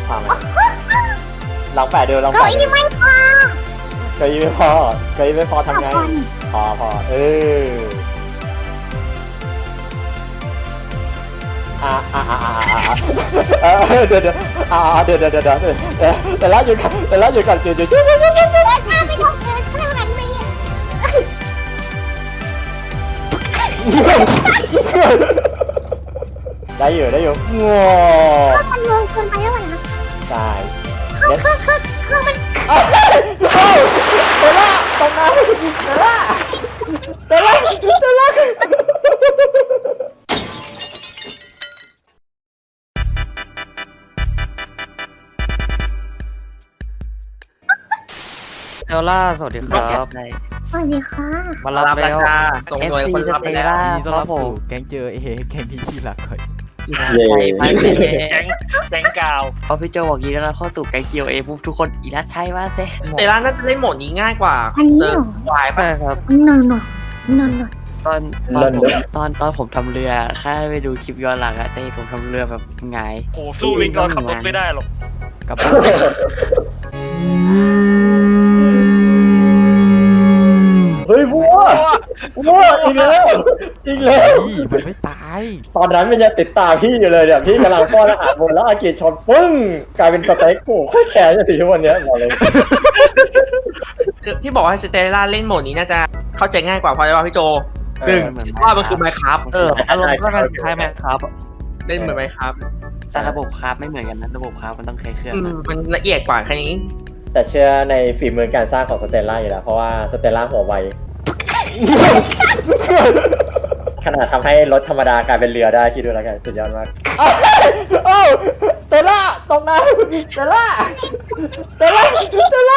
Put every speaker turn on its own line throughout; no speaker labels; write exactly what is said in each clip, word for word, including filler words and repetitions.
พาไหมลองแปะดูลอง
เก้า
แปะดู
อี้ไม่พอ
เก้าอี้ไม่พอเก้าอี้ไม่พอทำไงพอพอเอออ่าอ่าอ่าอ่าอ่าเดี๋ยวเดี๋ยวอ่าเดี๋ยวเดี๋ยวเดี๋ยวเดี๋ยวแต่ละอยู่กันแต่ละอยู่กันเดี๋ยวเดี๋ยวเดี๋ยว
ถ้าไม่ต้องเกินข้างหลังไม่
ได้อยู่ได้อยู่ง้อ
มันลงเกินไปแล้วนะ
ใช่
คือคือคือมัน
เอ้าเตล่าตรงนั้นเตล่าเตล่าเตล่า
เอลล่าสวัสดีครับ
สวัสดีค่ะ
มารับแล้ว
ส่งหน่วยคนรับไปแล้ว
ยินดีต้อนรับผม
แก๊งเจอเอแก๊งที่ที่หลักก่อน
อีลาชัยมาเซ่
แก๊งแก๊งกาว
พอพี่โจบอกยีแล้วเข้าตู่แก๊งเกียวเอปุ๊บทุกคนอีลาชัยมาเซ่
แต่ร้านน่าจะเล่นโหมดนี้ง่ายกว่า
อันนี้เหรอ
วาย
ใช่
ป่ะ
ครับ
นอนนอนนอนนอน
ตอนตอนผมตอนตอนผมทำเรือแค่ไปดูคลิปย้อนหลังอะแต่ผมทำเรือแบบไง
โหสู้ลิงเราขับรถไม่ได้หรอก
กลับบ้าน
เฮ้ยวัววัวอีกแล้วอีกแล้ว
พี่มันไม่ตาย
ตอนนั้นมันยังติดตามพี่อยู่เลยเนี่ยพี่กำลังป้อนอาหารบนแล้วอากิชนปึ้งกลายเป็นสเต็กโอ้โคตรแข็งจนถึงทุกวันนี้บอกเลย
คือที่บอกว่าสเตลล่าเล่นโหมดนี้น่าจะเข้าใจง่ายกว่าเพราะว่าพี่โจหนึ่งว่ามันคือไมค์ครับ
เอออารมณ์ก็คล้ายๆแมคครับ
เล่นเหมือนไมค์ครับ
แต่ระบบคราฟไม่เหมือนกันนะระบบคราฟมันต้องใช้เครื่อง
อืม
นะ
มันละเอียดกว่าแค่นี้
แต่เชื่อในฝีมือการสร้างของสเตลล่าอยู่แล้วเพราะว่าสเตลล่าหัวไวขนาดทำให้รถธรรมดากลายเป็นเรือได้คิดดูแล้วกันสุดยอดมากเอ้าเตล่าตรงนั้นเตล่าเตล่าเตล่า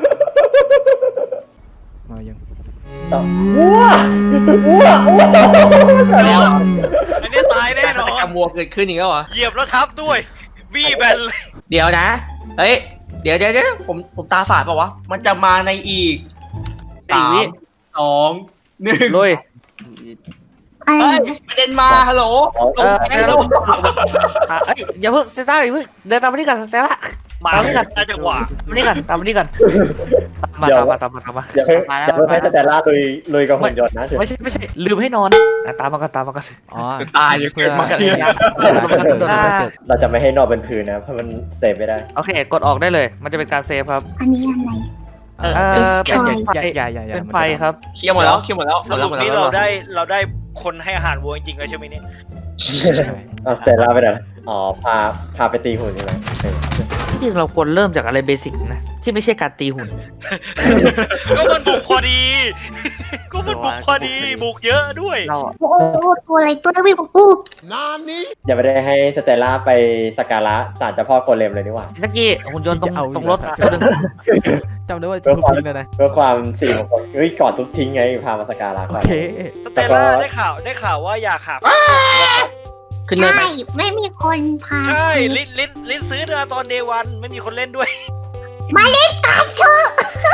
มายัง
วัววัววัว
แล้ว
อันนี้ตายแน่นอน
กรรมวัวเกิดขึ้นอีกแล้วเหรอ
เหยียบแล้วทับด้วยบี้แบนเลย
เดี๋ยวนะเฮ้ยเดี๋ยวเดี๋ยวเดี๋ยวผมผมตาฝาดเปล่าวะมันจะมาในอีกสามสองหนึ่ง
ลุย
อะไร
เฮ้ยประเด็นมาฮัลโหล
เออเซลล์อ่ะเอ้ยอย่าเพิ่งเซต้าอย่าเพิ่งเดินตามมานี่ก่อนเซล่า
มา
ตามมานี่ก่อน
ได้จังหวะ
ตามมานี่ก่อนตามมานี่ก่อนมาตามมาตามมาตามมา
อย่าเพิ่ง
มา
อ
แล้ว
ย่าเพิ่งให้สเตลล่าลุยลุยกับหุ่นยนต์นะ
ไม่ใช่ไม่ใช่ลืมให้นอนอ่ะตามมาก่อนตามมาก่อน
อ๋อ
ตายเลยเกิดมา
เกิด
เนี่ย
เราจะไม่ให้นอนบนพื้นนะเพราะมันเซฟไม่ได้
โอเคกดออกได้เลย มันจะเป็นการเซฟครับ
อันนี้อะไร
เออเป็น
Destroy
ไฟ
อย่าอย่าอย่า
เป็นไฟครับ
เคลียร์หมดแล้วเคลียร์หมดแล้วห
ส
มดแล้
รุ
ว
ป
หมดแล้ว
นี้
หมด
เรา
แล้ว
ได้เราได้คนให้อาหารวัวจริงๆแล้วใช่ไหมเนี่ย
เอาสเตลล่าไปไหนอ๋อพาพาไปตีหุ่นใช่ไหมเออ
ที่จริงเราควรเริ่มจากอะไรเบสิกนะที่ไม่ใช่การตีหุ่น
ก็มันบุกพอดี ก็มันบุกพอดีบุกเยอะด้วย
เราอะ
โอ้โหตัวอะไรตัววิ่งของกู
อย่าไปได้ให้สเตลล่าไปสักการะศาลเจ้าพ่อโกเลมเลยนี่หว่า
เมื่อกี้หุ่นยนต์ตรงตรงรถตัวหนึง
จำได้ว่าทุบทิ้งแล้วนะ
เพื่อความสิริมงคลเฮ้ยก่อนทุบทิ้งไงพามาสักการะ
โอ
ก่อน
เค
สเตลล่าได้ข่าวได้ข่าวว่าอยากหา
ขึ้นเลย
ใช่
ไหม
ไม่มีคนพา
ใช่ลิ้นลิ้นลิ้นซื้อมาตอนเดวันไม่มีคนเล่นด้วย
มาเล่นตามเธอ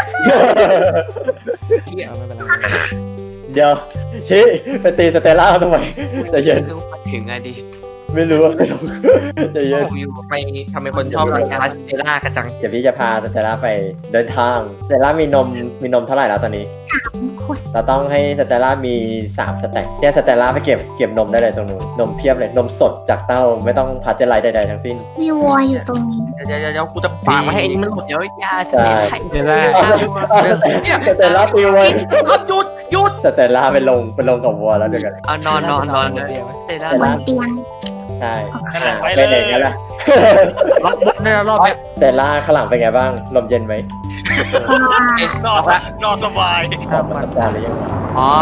เอาไม่เป็นไร
เดี๋ยวชี้ไปตีสเตลล่าทำไมใจะเย็น
ถึงไงดิ
ไม่รู้ไม่รู้ใจะเย็น
อยู่ไปทำเป็นคนชอบรักลาสเตล่ากันจัง
เดี๋ยวพี่จะพาสเตลล่าไปเดินทางสเตลล่ามีนมมีนมเท่าไหร่แล้วตอนนี้
คน
เราต้องให้สเตลล่ามีสามสแต็กเนี่ยสเตลล่าไปเก็บเก็บนมได้เลยตรงนู้นนมเพียบเลยนมสดจากเต้าไม่ต้องพัชเจอร์ไลท์ใดๆทั้งสิ้น
มีวัวอยู่ตรงนี้
เดี๋ยวเดี๋ยวเดี๋ยวกูจะฝากมาให้ไอ้นี่มันหมดเดี๋ยวย
า
ใช่
เดี๋ยวได้
สเตลล่าตีวัว
หยุดหยุด
สเตลล่าไปลงไปลงกับวัวแล้วเดี๋ยวกัน
เอานอนนอนนอนเลย
เดี๋ยวไว้
เตะได้
บนเตียง
ใช่
นั่นแหละไป
ไป
เลย
ไหนกันล่ะ
รอบบนได้แล้วรอบเนี้ย
สเตลล่าข้างหลังเป็นไงบ้างลมเย็นไหม
นอนนอนสบาย
ขอบมาสัปดาห์หรือยัง
อ๋อ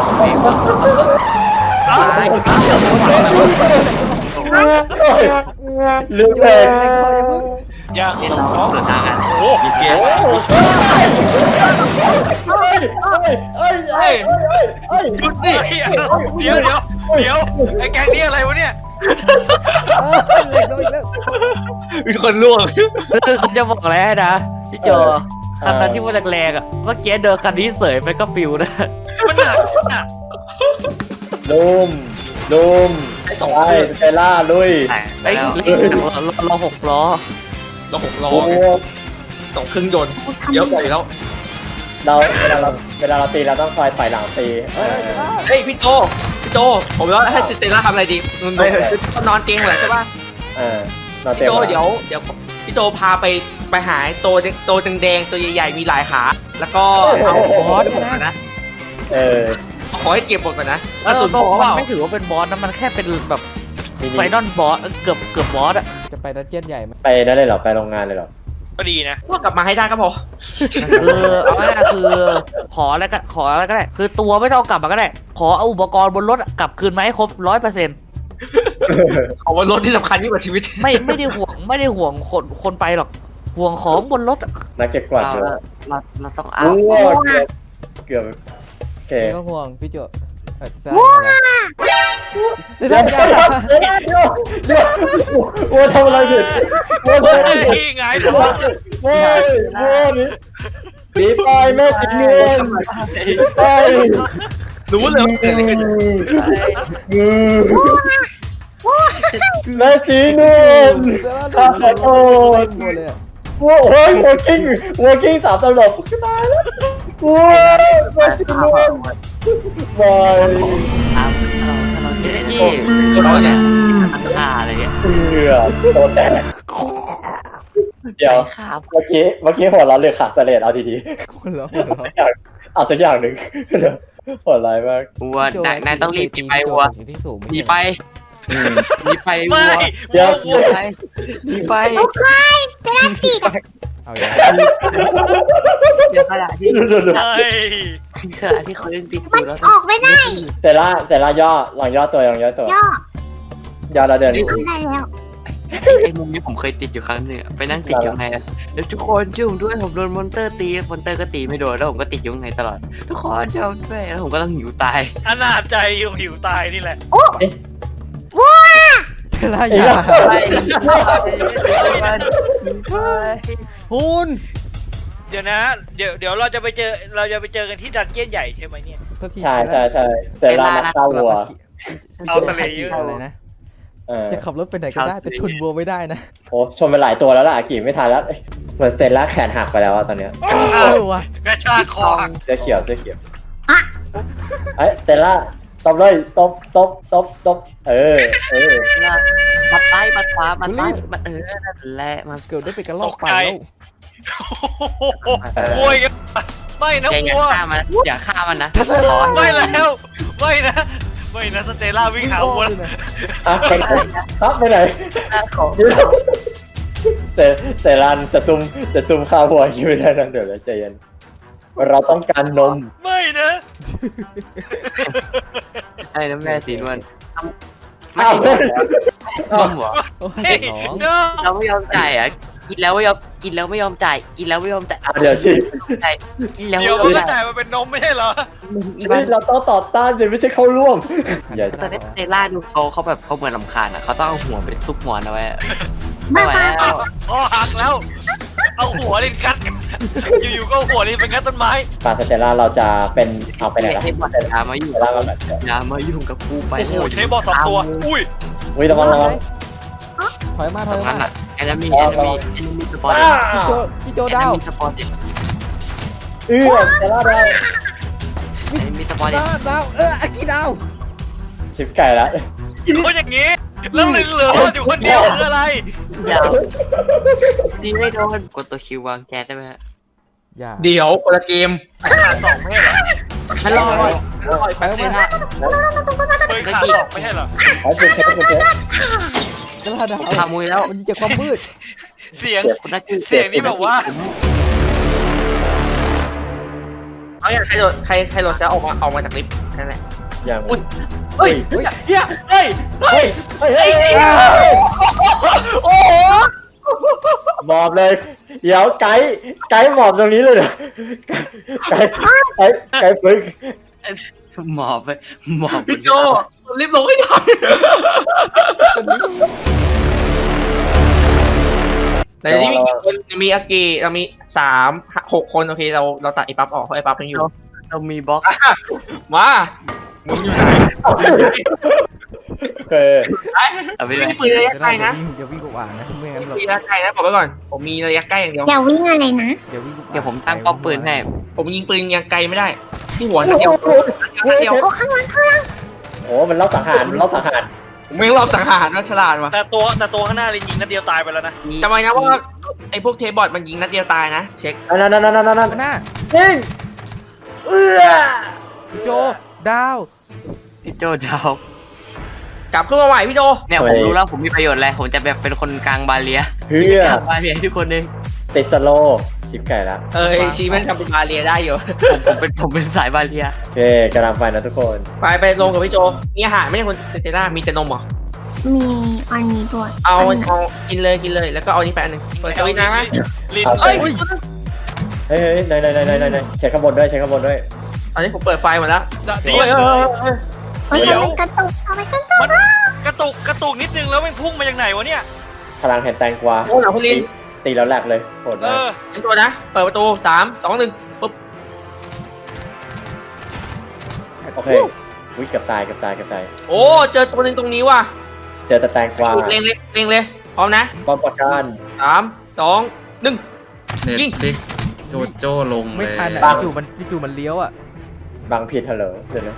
อ้าว
ลืมเพลง
อย่า
เล่นเราเปิดทางกัน
โอ้โห
มีเกม
เอ้ยเอ้ยเอ้ยเอ้ยเอ้ย
หยุดดิ
เดี๋ยวเดี๋ยวเดี๋ยวไอ้แก๊งนี้อะไรวะเนี่ย
เล็กน้อยแล้ว
มีคนล่วง
คือคุณจะบอกอะไรให้นะพี่โจคันนั้นที่ว่าแรงๆอ่ะเมื่อกี้เดินคันนี้เสยไปก็ปิวนะ
มันหนักหนัก
ลุมลุมไปสเตลล่าลุย
ไอ้เล็กเราเราหกล้อ
เราหกล้อ
โอ้โห
สองเครื่องยนต์เยอะกว่าอยู่แล้ว
เราเวลาเราเวลาเราตีเราต้องคอยถอยหลังตีเออ
เฮ้ยพี่โจพี่โจผมว่าให้สเตลล่าทำอะไรดีนอนนอนเตียงเหรอใช่ป่ะ
เออเราเต็
พี่
ม
โจเดี๋ยวเดี๋ยวพี่โจพาไปไปหาตัวตัวแดงๆตัวใหญ่ๆมีหลายขาแล้วก็เอา
บอสเนี่ยนะ
นะ
เออ
ขอให้เก็บหมดก่อนนะ
แล้
แล้ว ว
ตั
ตัว ว
โต
โต
มั
เปล่าน
ไม่ถือว่าเป็นบอสนะมันแค่เป็นแบบ
มินิ
ไฟนอลบอสเกือบเกือบบอสอะ
จะไปดันเจี้ยนใหญ่ไหม
ไปนั่นเลยเหรอไปโรงงานเลยเหรอ
ก็ดีนะ
ก็กลับมาให้ได้ก็พอ
คือเอาง่ายๆคือขออะไรก็ขออะไรก็ได้ คือตัวไม่ต้องเอากลับมาก็ได้ ขอเอาอุปกรณ์บนรถอะกลับคืนมาให้ครบร้อยเปอร์เซ็นต์
เอาว่ารถที่สำคัญยิ่งกว่าชีวิต
ไม่ไม่ได้ห่วงไม่ได้ห่วงคนคนไปหรอกห่วงของบนรถอะ
นักเก็บกวาดเยอะ
เราเราต้องเอา
โอ้โหเกือบเกือบโอเค
ไม่ต้องห่วงพี่โจเออได้
ว้า
เดี๋ยวเดี๋ยวเดี๋ยว
เดี๋ยวเดี๋ยวเดี๋ยวโอ้ทำอะไรผิดโอ้ทำอะไรผิด
ที่ไง
โอ้โอ้โอ้นี่หนีไปแม่สีเงินไป
รู้เลยว่าเกิดอะไรขึ้น
แม่สีเงิน ขอโทษ
หมดเลยอะ
โอ้โหหัวกิ้งหัวกิ้งสามตลบตายแล้วโอ้ยแม่สีเงินบอย
ถ้าเราถ้าเราคิดได้ที่เราเนี่ยมันค่าอะไรเงี้ย
เหงื่อโตแตกเดี๋ยว
ครับ
เมื่อกี้เมื่อกี้หัวเราะเรือขาดเสลดเอาดี
คนละคนละ
ๆเอาสักอย่างหนึ่งหัวร้ายมาก
วัวนายนายต้องรีบหนีไปวัว
สิ่งที่สูง
หนีไปหนีไปวั
ไม่
ว
เดี๋ยว
วัว
หนีไปหนีไป
จะได้ติด
เอาอย่าง
เดี๋ยวขณะที่
เฮ้ย
ขณะที่เขายังติดอ
มัน
ยู่แล้ว
ออกไม่ได้
แต่ละแต่ละย่อลองย่อตัวลองย่อตัว
ย่อย่
อแล้วเดิน
ทำได้แล้ว
ไอ้มุมนี้ผมเคยติดอยู่ครั้งหนึ่งอะไปนั่งติดอยู่ไงอะแล้วทุกคนช่วยผมด้วยผมโดนมอนเตอร์ตีมอนเตอร์ก็ตีไม่โดนแล้วผมก็ติดอยู่ข้างในตลอด ทุกคนช่วยผมด้วยแล้วผมก็ต้องหิวตาย
อนาจใจอยู่หิวตายนี่แหละ
เวลาอย่า
ไปไป
คุณ
เดี๋ยวนะ เดี๋ยวเดี๋ยวเราจะไปเจอเราจะไปเจอกันที่ดันเจี้ยนใหญ่ใช่ไหมเนี่ย
โทษที
ใช่ใช่ใช่แต่ละนักฆ่าวัว
เอาทะเลเยอะ
อะไรนะ
เออ
จะขับรถไปไหนก็ได้แต่ชนวัวไม่ได้นะ
โอ้ชนไปหลายตัวแล้วล่ะอากิไม่ทันแล้วเอ้ยเหมือนสเตลล่าแขนหักไปแล้วอะตอนเนี้ย
กระชา
เอก อว่ะ
กระชากคอหัก
เสื้อเขียวเสื้อเขียวไอ้ยสเตลล่าตบเลยตบตบตบตบเออเออ
มาใต้มาขวามาใต้มาเออนั่นแหละมา
เกิดได้เป็นกระลอกไปแล้ว
โวยกันไม่นะ
แกอย่า
วัว
ฆ่ามันอย่าฆ่ามันนะ
ไม่แล้วไม่นะไม่นะสเตลล่าวิ่งหาวัว
อ่ะไปไหนครับไปไหน
ของ
เซเซรันจะซุ่มจะซุ่มฆ่าวัวคิดไม่ได้นะเดี๋ยวนะใจเย็นเราต้องการนม
ไม่นะ
ไอ้น้ำแม่สีนวลไม่
อ้าว
ใช่นมเหรอ
โอ้ย
เฮ้ย
สอง
เนาะ
เราไม่ยอมจ่ายอ่ะกินแล้วไม่ยอมกินแล้วไม่ยอมจ่ายกินแล้วไม่ยอมจ่าย
อ่ะเดี๋ยวสิ
จ่ายกินแล้ว
เดี๋ยว
ไม่
มัน
ยอ
ก็
มจ่าย
จ่ายมาเป็นนมไม่ใช่เหรอ
ชีวิตเราต้องต่อต้านเลยไม่ใช่เข้าร่วมอย่า
ตอนนี้เซล่าดูเขาเขาแบบเขาเหมือนลำคาญอ่ะเขาต้องเอาหัวไปซุกหมอนเอาไว้อะ
มา
ไม่ไหว
มา
แล้ว
คอหักแล้ว เอาหัวลินกัดอยู่ๆก็เอาหัวลินเป็นกัดต้นไม้
ปาสเตลล่าเราจะเป็นเอาไปไหนล่ะ
ให้บอลอย่ามายุ่ง
สเตลล่ามาแบบ
อย่ามายุ่งกับกูไป
โอ้โหใช้บอลสองตัว อุ้ย
อุ้ยระวังระวัง
ถอยมาถ
ต
อ
ร
ย
ง
มา
นั้นอ่ะแอนมีแอนมีแอนมีสปอร์ต
อ้า
พี่โจพี่โจดาว
มีสปอร์ต
เออสเตลล่าดาว
แอนมีสปอร์ต
ดาวดาวเอออากิดาว
ชิปไก่ละ
คนอย่างนี้ แล้วเหลืออยู่คนเดียวคืออะไร
ยาวดีไม่โดนกดตัวคิววางแก๊สได้ไหมฮะ
อย่า
เดี๋ยวคนละเกม
ขาสองไม่ใช่เหรอ
ฮัลโหลฮัลโหลแป๊บนึงนะ
เบยขาสองไม่ใช่เหรอ
ไอ้เป็นเทปเป็นเทป
กระดาว
ขามุยแล้ว
มันจะความมืด
เสียง
คนนักกีฬา
เสียงนี่แบบว่า
เอาอย่างใครโดดใครใครโดดจะออกมาออกมาจากลิฟต์นั่นแหละ
อย่าง
อุ้ยเฮ้ยเฮ้ยเฮ้ยเฮ้ย
เฮ้ยเฮ้ยเฮ้ยโอ้โหหมอบเลย เดี๋ยวไกด์ไกด์หมอบตรงนี้เลยเหรอไกด์ไกด์ไกด์ฝึก
หมอบไปหมอบ
พี่โจรีบลงให้ได้แต่นี่มีคนมีอากิเรามีสามหกคนโอเคเราเราตัดไอ้ปั๊บออกเพราะไอ้ปั๊บยังอยู่
เรามีบล็อก
มามึงอยู่ไหน
โอเค
เอาไป
ไม่
เลย
มีปืนระยะ
จะ
ไกล
ได้
นะ
อย่าวิ่งอย่าวิ่งกับอ่างนะไม่งั้นเรา
มีระยะไกลนะบอกไว้ก่อน ผมมีระยะใกล้อย่างเดียว
อย่าวิ่งอะไรนะ
อย่าวิ่งกับอ่าง
เดี๋ยวผมตั้งป้อมปืนให้
ผมยิงปืนยังไกลไม่ได้ ที่หัวนัดเดียวนัดเดียว
โอ้ข้างหลังข้างหลัง
โอ้มันเล่าสังหารมันเล่าสังหาร
ผมไม่รอบสังหารนะฉลาดว่ะ
แต่ตัวแต่ตัวข้างหน้าเลยยิงนัดเดียวตายไปแล้วนะ
จำไว้นะว่าไอ้พวกเทบอทมันยิงนัดเดียวตายนะ เช็ค
นั่นนั่นนั่นนั่นนั่น
หน้า
ยิงเอื้อ
พี่โจดาว
พี่โจดาว
กลับขึ้นมาใหม่พี่โจ
เนี่ยผมรู้แล้วผมมีประโยชน์อะไรผมจะแบบเป็นคนกลางบาเลีย
เฮือก
ลางบาเลียให้ทุกคนเอง
ติดสโลชิปไก่ละ
เออไอ้ชีมันทำเป็นมาเรียได้อยู่
ผมผมเป็นผมเป็นสายบาเลีย
โอเคกำลังไปนะทุกคน
ไปไปลงกับพี่โจมีอาหารไม่ใช่คนเซเจล่ามีแต่นมเหรอ
มีอันนี้ด้วย
เอา
นนี้
เอากินเลยกินเลยแล้วก็เอานี่ไปอันหนึ่งเปิดสวิตช์นะ
ลิน
เอ้ย
เฮ้ยเฮ้ยไหนไหนไหนไหนไหนไหนเช็คข้างบนด้วยเช็คข้างบนด้วย
ตอนนี้ผมเปิดไฟหมดแล้ว
เดี
เฮ้ย
ยว
เฮ้ยเฮ้ย
เฮ้ยเอาไปกระตุกเอาไปกระตุก
มันกระตุกกระตุกนิดนึงแล้วมันพุ่งมาจากไหนวะเนี่ย
พลังแห่งแตงกวา
โอ้หนังพลิน
ตีแล้วแหลกเลยโหด
เอ
มาก
อ
เต็มตัวนะ เปิดประตูสามสองหนึ่งปุ๊บ
โอเคอุ้ยเกือบตายเกือบตายเกือบตาย
โอ้เจอตัวหนึ่งตรงนี้ว่ะ
เจอแต่แตงกวา
เล็งเลยเล็งเลยพร้อมนะ
ป้อมปราการ
สามสองหนึ่ง
เน็ต
ยิง
ฟิกโจโจ้ลง
ไม่
เลย
ทันอ่ะจู่มันจู่มันเลี้ยวอ่ะ
บางผิดฮัลโหลเดี๋ยวนะ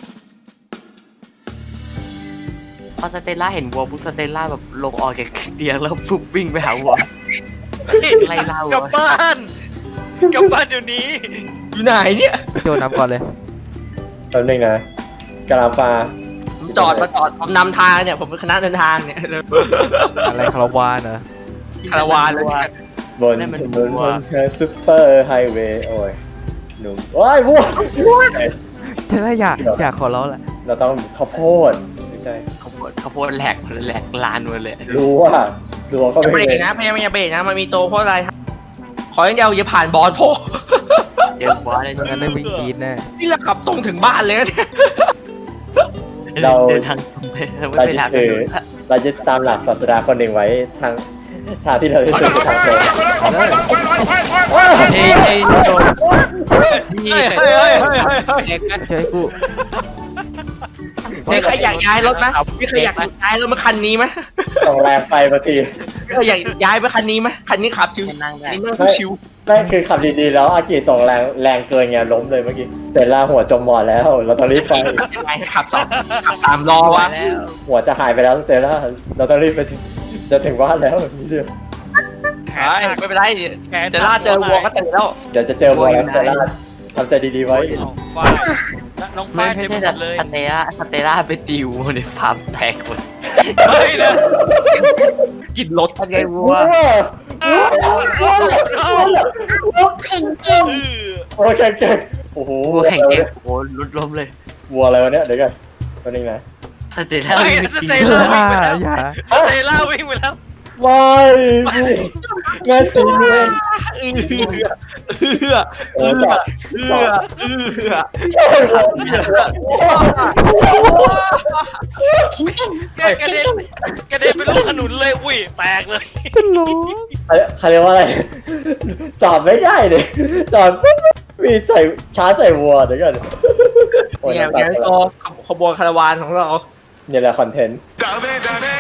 พอสเตลล่าเห็นวัวปุ๊บสเตลล่าแบบลงออกจากเตียงแล้วปุ๊บวิ่งไปหาวัว ไล่ล่าวัว
กลับบ้านกลับบ้านเดี๋ยวนี้
อยู่ไหนเนี่ย
พี่โจนำก่อนเลย
แป๊บนึงนะกำลังปลา
ผมจอดมาจอดผมนำทางเนี่ยผมเป็นคณะเดินทางเนี่ย
อะไรคาราวานเหรอ
คาราวานเลย
บนถนนบนทางซุปเปอร์ไฮเวย์โอ้ยหนุ่มว้ายวัว
ใช่ไหมอยากอยากขอร้องแหละ
เราต้องข้าวโพดไม่ใช่
ข้าวโพดข้าวโพดแหลกหมดเลยแหลกลานหมดเลย
รู้ว่ารู้ว่าก็
อย่าเบร
ไม่
ก
เป็น
นะพยายามอย่าเบรกนะมันมีโตเพราะอะไรขออย่างเดียวอย่าผ่านบอลโพ
เจอบอสเลย
งั้นได้วิ่งกรีดแน่
นี่เราขับตรงถึงบ้านเลยนะเนี่ย
เดินทางตรงไปไม่
เรา
ไป
จะ
ทาง
ถือเราจะตามหลักศาสดาคนหนึ่งไว้ทางทางที่เราจะถือทางตรง
เอ้ยเอ้ยโดนนี่
เฮ้ยเฮ้ยเฮ้ยเฮ้ยเฮ้ย
เด็กนะ
ใช่กู
มีใครอยากย้ายรถไหมมีใครอยากย้ายรถมาคันนี้ไหม
ส่งแรงไปบางที
มีใครอยากย้ายไปคันนี้ไหมคันนี้ขับชิว
นั่งได้
นี่นั่งชิว
นั่นคือขับดีๆแล้วอากิส่งแรงแรงเกินไงล้มเลยเมื่อกี้เสร็จแล้วหัวจมหมอนแล้ว เราต้องรีบไป
ยังไงขับสองขับสามล้อวะ
แล้ว
หัวจะหายไปแล้วเสร็จแล้วเราต้องรีบไปถึงจะถึงบ้านแล้วนี่เดียว
ไม่เป็นไรเดี๋ยวล่าเจอวัวก็ตื่นแล้ว
เดี๋ยวจะเจอวัวแล้วเสร็จแล้วทำใจดีๆไว้
เอาฝ้ายน้อง
ไม่
ฝ้ายเต็
ไม่
ม
ใช่
หมดเลย
สเตล่าสเตล่าไปตีวัวในฟาร์มแตกหมด
ไม่นะ
กินรถ
ทำไงวัว
แข่งเก่ง
โอ้ยแข่งเก่งโอ้โห
วัวแข่งเกมโอ้ลุดล้มเลย
วัวอะไรวะเนี่ยเดี๋ยวกันตัวนึงนะ
สเตล่า
เฮ้ย
ไม่
ส
ตี
เต
อ
ล่า
ย่า
วิ่งไปแล้ว
อย่า
สเตล่าวิ่งไปแล้ว
วายงานจริงเลย
เอื้อเอื้อ
โอ้
เอื้
ย
อเอื้อเอื้อ
แข่งเก่ง
แกกระเด็นกระเด็นไปลูกขนุนเลย อุ้ยแตกเลย
เขาเรียกว่าอะไรจอดไม่ได้เลยจอดปุ๊บมีใส่ช้าใส่วัวเดี๋ยวกันโอ้ย
เนี่ย
น้ำตา
เนี่ย
ไหล
โตขบวนคาราวานของเรา
เนี่ยแหละคอนเทนต์
Dame, dame,